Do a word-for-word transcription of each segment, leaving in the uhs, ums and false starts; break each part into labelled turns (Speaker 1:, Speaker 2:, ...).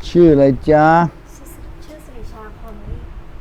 Speaker 1: ชื่ออะไรจ๊ะ
Speaker 2: ชื่อสิริชาคอนนี่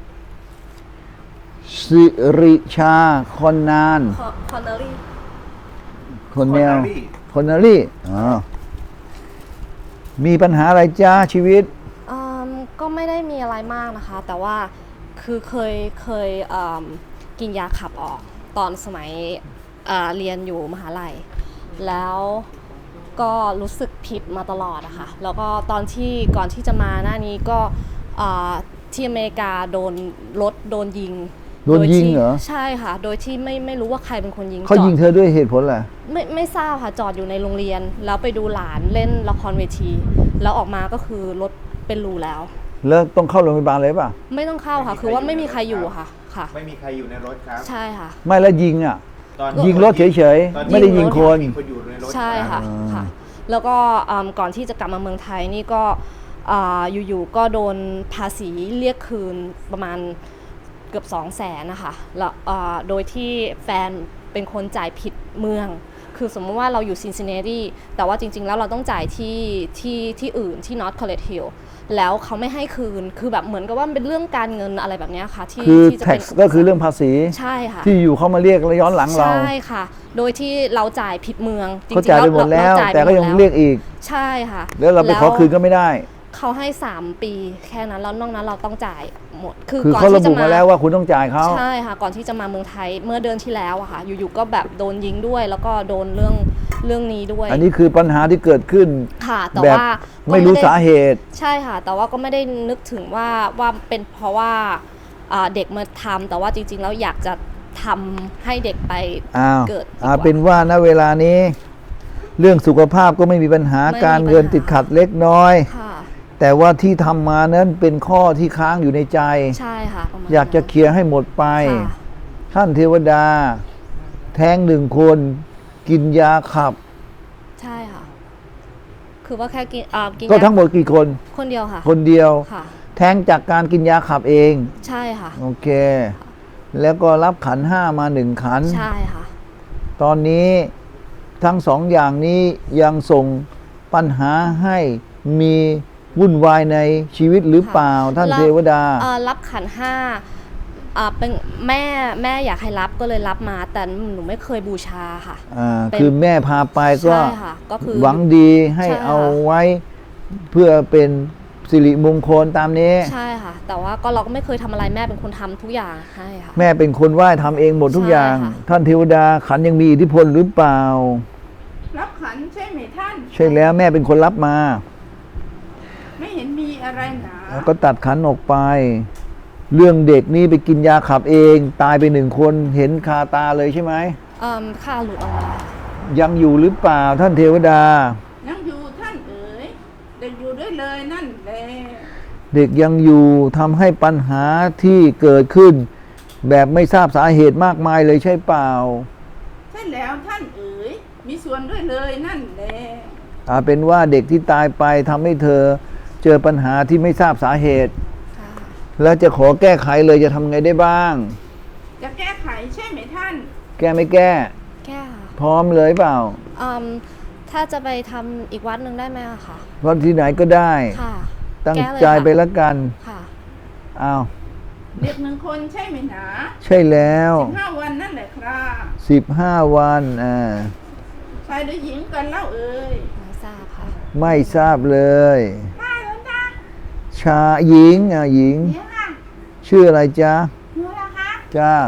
Speaker 1: สิริชาคอนนาน
Speaker 2: คอนเนอรี่
Speaker 1: คนแนวคนนารี่อ๋อมีปัญหาอะไรจ้าชีวิต
Speaker 2: อืมก็ไม่ได้มีอะไรมากนะคะแต่ว่าคือเคยเคยกินยาขับออกตอนสมัยเอ่อเรียนอยู่มหาลัยแล้วก็รู้สึกผิดมาตลอดอะค่ะแล้วก็ตอนที่ก่อนที่จะมาหน้านี้ก็ที่อเมริกาโดนรถโดนยิง
Speaker 1: โดนยิงเหรอ
Speaker 2: ใช่ค่ะโดยที่ไม่ไม่รู้ว่าใครเป็นคนยิง
Speaker 1: เขายิงเธอด้วยเหตุผลอะไร
Speaker 2: ไม่ไม่ทราบค่ะจอดอยู่ในโรงเรียนแล้วไปดูหลานเล่นละครเวทีแล้วออกมาก็คือรถเป็นรูแล้ว
Speaker 1: แล้วต้องเข้าโรงพยาบาลเลยป่ะ
Speaker 2: ไม่ต้องเข้าค่ะคือว่าไม่มีใครอยู่ค่ะค่ะ
Speaker 3: ไม่มีใครอยู่ในรถครับ
Speaker 2: ใช่ค่ะ
Speaker 1: ไม่แล้วยิงอ่ะยิงรถเฉยๆไม่ได้ยิงคน
Speaker 2: ใช่ค่ะค่ะแล้วก็ก่อนที่จะกลับมาเมืองไทยนี่ก็อยู่ๆก็โดนภาษีเรียกคืนประมาณเกือบสองแสนนะคะแล้วโดยที่แฟนเป็นคนจ่ายผิดเมืองคือสมมติว่าเราอยู่ซินซินเนตี้แต่ว่าจริงๆแล้วเราต้องจ่ายที่ที่ที่อื่นที่ North College Hill แล้วเขาไม่ให้คืนคือแบบเหมือนกับว่าเป็นเรื่องการเงินอะไรแบบนี้ค่ะที่
Speaker 1: คือ tax ก็คือเรื่องภาษี
Speaker 2: ใช่ค่ะ
Speaker 1: ที่อยู่เขามาเรียกแล้วย้อนหลังเรา
Speaker 2: ใช่ค่ะโดยที่เราจ่ายผิดเมือง
Speaker 1: จริงๆเขาจ่ายไปหมดแล้วแต่ก็ยังเรียกอีก
Speaker 2: ใช่ค่ะ
Speaker 1: แล้วเราไปขอคืนก็ไม่ได้
Speaker 2: เขาให้สามปีแค่นั้นแล้วนอกนั้นเราต้องจ่ายหมด
Speaker 1: คือเขาระบุมาแล้วว่าคุณต้องจ่ายเขา
Speaker 2: ใช่ค่ะก่อนที่จะมาเมืองไทยเมื่อเดือนที่แล้วอะค่ะอยู่ๆก็แบบโดนยิงด้วยแล้วก็โดนเรื่องเรื่องนี้ด้วย
Speaker 1: อันนี้คือปัญหาที่เกิดขึ้น
Speaker 2: ค่ะแต่ว่า
Speaker 1: ไม่รู้สาเหตุ
Speaker 2: ใช่ค่ะแต่ว่าก็ไม่ได้นึกถึงว่าว่าเป็นเพราะว่าเด็กมาทำแต่ว่าจริงๆแล้วอยากจะทำให้เด็กไปเกิด
Speaker 1: อ่าเป็นว่าณเวลานี้เรื่องสุขภาพก็ไม่มีปัญหาการเงินติดขัดเล็กน้อยแต่ว่าที่ทำมานั้นเป็นข้อที่ค้างอยู่ในใจ
Speaker 2: ใช่ค่ะ
Speaker 1: อยากจะเคลียร์ให้หมดไปท่านเทวดาแท้งหนึ่งคนกินยาขับ
Speaker 2: ใช่ค่ะคือว่าแค่กินกิน
Speaker 1: ก็ทั้งหมดกี่คน
Speaker 2: คนเดียวค่ะ
Speaker 1: คนเดียว
Speaker 2: ค่ะ
Speaker 1: แท้งจากการกินยาขับเอง
Speaker 2: ใช่ค่ะ
Speaker 1: โอเคแล้วก็รับขันห้ามาหนึ่งขัน
Speaker 2: ใช่ค่ะ
Speaker 1: ตอนนี้ทั้งสองอย่างนี้ยังส่งปัญหาให้มีวุ่นวายในชีวิตหรือเปล่าท่านเทวดา
Speaker 2: รับขันห้าเป็นแม่แม่อยากให้รับก็เลยรับมาแต่หนูไม่เคยบูชาค่ะ
Speaker 1: คือแม่พาไปก็หวังดีให้เอาไว้เพื่อเป็นสิริมงคลตามนี้
Speaker 2: ใช่ค่ะแต่ว่าก็เราก็ไม่เคยทำอะไรแม่เป็นคนทำทุกอย่างให้ค่ะ
Speaker 1: แม่เป็นคนไหว้ทำเองหมดทุกอย่างท่านเทวดาขันยังมีอิทธิพลหรือเปล่า
Speaker 4: รับขันใช่ไหมท่าน
Speaker 1: ใช่แล้วแม่เป็นคนรับมา
Speaker 4: ไม่เห็นมีอะไรหนา
Speaker 1: แล้วก็ตัดขันออกไปเรื่องเด็กนี่ไปกินยาขับเองตายไปหนึ่งคนเห็นคาตาเลยใช่ไหม
Speaker 2: อืมค่าหลุดออกมา
Speaker 1: ยังอยู่หรือเปล่าท่านเทวดา
Speaker 4: ยังอยู่ท่านเอ๋ยเด็กอยู่ด้วยเลยนั่นแหละ
Speaker 1: เด็กยังอยู่ทำให้ปัญหาที่เกิดขึ้นแบบไม่ทราบสาเหตุมากมายเลยใช่เปล่า
Speaker 4: ใช่แล้วท่านเอ๋ยมีส่วนด้วยเลยนั่นแหละ
Speaker 1: อาเป็นว่าเด็กที่ตายไปทำให้เธอเจอปัญหาที่ไม่ทราบสาเหตุแล้วจะขอแก้ไขเลยจะทำไงได้บ้าง
Speaker 4: จะแก้ไขใช่ไหมท่าน
Speaker 1: แก้ไม่แก้
Speaker 2: แก้
Speaker 1: พร้อมเลยเปล่า
Speaker 2: อืมถ้าจะไปทำอีกวัดหนึ่งได้ไหมคะ
Speaker 1: วัดที่ไหนก็ได้
Speaker 2: ค่ะ
Speaker 1: ตั้งใจไปแล้วกัน
Speaker 2: ค่ะ
Speaker 1: อ้าว
Speaker 4: เด็กหนึ่งคนใช่ไหมนะ
Speaker 1: ใช่แล้ว
Speaker 4: สิบห้าวันนั่นแหละครับ
Speaker 1: สิบห้าวันอ่า
Speaker 4: ชายหรือหญิงกันเล่าเอ่ย
Speaker 2: ไม่ทราบค่ะ
Speaker 1: ไม่ทราบเลยชาหญิงอ่ะหญิงชื่ออะไรจ๊ะ
Speaker 4: หนูล่ะคะ
Speaker 1: จ้า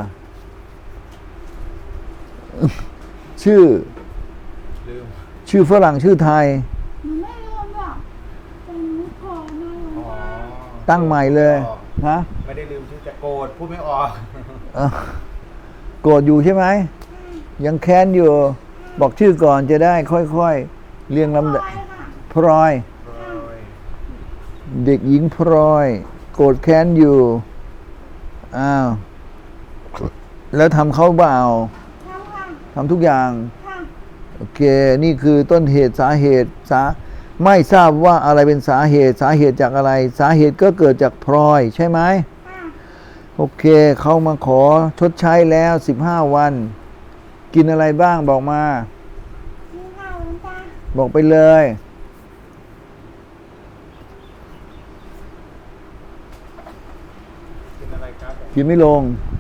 Speaker 1: ชื่อลืมชื่อฝรั่งชื่อไทย
Speaker 4: หนูไม่ลืมหรอกแต่หนูโกรธนะ
Speaker 1: ตั้งใหม่เลยฮะ
Speaker 3: ไม่ได้ลืมชื่อจะโกรธพูดไม่ออก
Speaker 1: โกรธอยู่ใช่ไหมยังแค้นอยู่บอกชื่อก่อนจะได้ค่อยๆเรียงลำดับพลอยเด็กหญิงพลอยโกรธแค้นอยู่อ้าวแล้วทำเขาเปล่าทำทุกอย่างโอเคนี่คือต้นเหตุสาเหตุสาไม่ทราบว่าอะไรเป็นสาเหตุสาเหตุจากอะไรสาเหตุก็เกิดจากพลอยใช่ไหมโอเคเขามาขอชดใช้แล้วสิบห้าวันกินอะไรบ้างบอกมาบอกไปเลยกินไม่ลง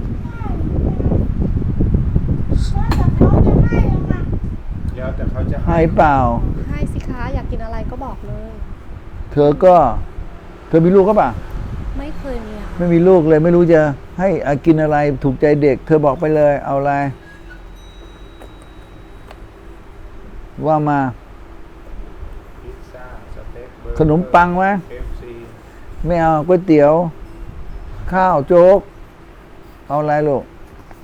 Speaker 4: แล้วแต่เขาจะให้อะค่ะ
Speaker 3: เดี๋ยวแต่เขาจะ
Speaker 1: ให้เปล่า
Speaker 2: ให้สิคะอยากกินอะไรก็บอกเลย
Speaker 1: เธอก็ เธอมีลูกก็ปล่ะ
Speaker 2: ไม่เคยมีอะ
Speaker 1: ไม่มีลูกเลยไม่รู้จะให้อากินอะไรถูกใจเด็ก เธอบอกไปเลย เอาอะไร ว่ามา
Speaker 3: พิซซ่าสเต็กเบอร์เกอร์
Speaker 1: ขนมปังไหม
Speaker 3: เค เอฟ ซี
Speaker 1: ไม่เอาก๋วยเตี๋ยว ข้าวโจ๊ก เอาอะไรลูก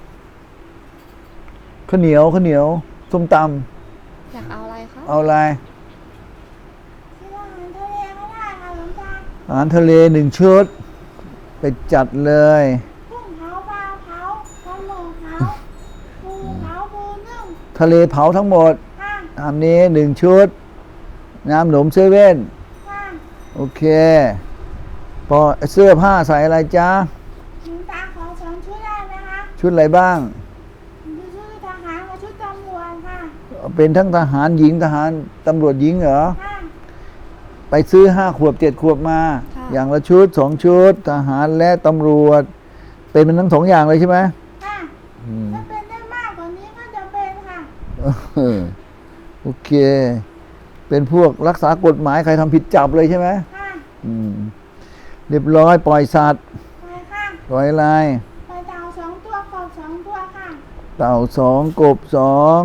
Speaker 1: ข้าวเหนียวข้าวเหนียวส้มต
Speaker 2: อยากเอาอะไรคะ
Speaker 1: ำเอาอะไร
Speaker 4: ที่ว่าอาหารทะเลก็ได้ค่ะหลวงตา
Speaker 1: อาหารทะเลหนึ่งชุด ไปจัดเลย
Speaker 4: กุ้งเผาปลาเผาปลาหมึกเผาปูเผาปูนึ่ง
Speaker 1: ทะเลเผาทั้งหมด
Speaker 4: ค่ะ
Speaker 1: ตามนี้หนึ่งชุด น้ำหนมเซเว่น
Speaker 4: ค่ะ
Speaker 1: โอเคพอเสื้อผ้าใส่อะไรจ๊ะ
Speaker 4: หลวงตาขอสองชุดได้ไหมคะ
Speaker 1: ชุดอะไรบ้าง
Speaker 4: ชุดทหารกับชุดตำรวจค่ะ
Speaker 1: เป็นทั้งทหารหญิงทหารตำรวจหญิงเหรอ
Speaker 4: ค่ะ
Speaker 1: ไปซื้อห้าขวบเจ็ดขวบมา อย่างละชุดสองชุด ทหารและตำรวจ เป็นมันทั้งสองอย่างเลยใช่ไหม
Speaker 4: ค่ะ
Speaker 1: อืม
Speaker 4: ถ้าเป็นได้มากกว่านี้ก็จะเป็นค่ะ
Speaker 1: เออโอเค เป็นพวกรักษากฎหมายใครทำผิดจับเลยใช่ไหม
Speaker 4: ค่ะ
Speaker 1: อืมเรียบร้อยปล่อยสัตว์
Speaker 4: ไปค่ะ
Speaker 1: ปล่อยอะไร
Speaker 4: ไปเต่าสองตัวกบสองตัวค่ะ
Speaker 1: เต่าสองกบสอง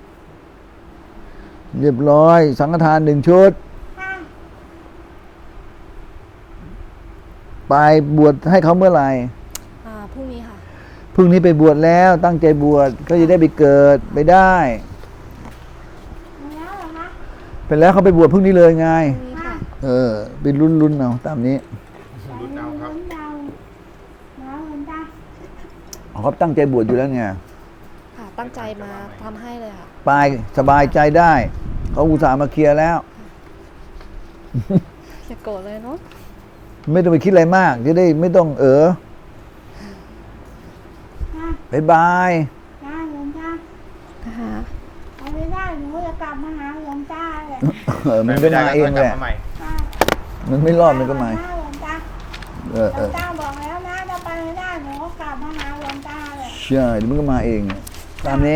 Speaker 1: เรียบร้อย สังฆทานหนึ่งชุด
Speaker 4: ค่ะ
Speaker 1: ไปบวชให้เขาเมื่อไหร่
Speaker 2: อ่าพรุ่งนี้ค่ะ
Speaker 1: พรุ่งนี้ไปบวชแล้วตั้งใจบวชก็จะได้ไปเกิดไปได้
Speaker 4: มาแล้วเหรอคะ
Speaker 1: ไปแล้วเขาไปบวชพรุ่งนี้เลยไง
Speaker 2: พรุ่งนี้ค่ะ
Speaker 1: เออไปรุ่นรุ่นๆเอาตามนี้
Speaker 3: รุ่นเอาครับ
Speaker 4: ลุ้นเดาแล้วหลวงตา
Speaker 1: เขาตั้งใจบวชอยู่แล้วไง
Speaker 2: ค่ะ ตั้งใจมาทำให้เลยค่ะ
Speaker 1: ไปสบายใจได้ เขาอุตส่าห์มาเคลียร์แล้ว
Speaker 2: อย่าโกรธเลยเนาะ
Speaker 1: ไม่ต้องไปคิดอะไรมาก จะได้ไม่ต้องเออ
Speaker 4: ค่ะ
Speaker 1: บายบาย
Speaker 4: ได้หลวงตา
Speaker 2: นะคะ
Speaker 4: ไปไม่ได้หนูจะกลับมาหาหลวงตาเลย
Speaker 1: เออมันก็มาเองแหละ
Speaker 3: กบมาใหม่
Speaker 4: ค่ะ
Speaker 1: มันไม่รอดมันก็มา
Speaker 4: หลวงตา
Speaker 1: เออ
Speaker 4: หล
Speaker 1: เอ
Speaker 4: วง
Speaker 1: อ
Speaker 4: ตาบอกแล้วนะถ้าไปไม่ได้หนูก็กลับมาหาหลวงตาเลย
Speaker 1: ใช่เดี๋ยวมันก็มาเอง ตามนี้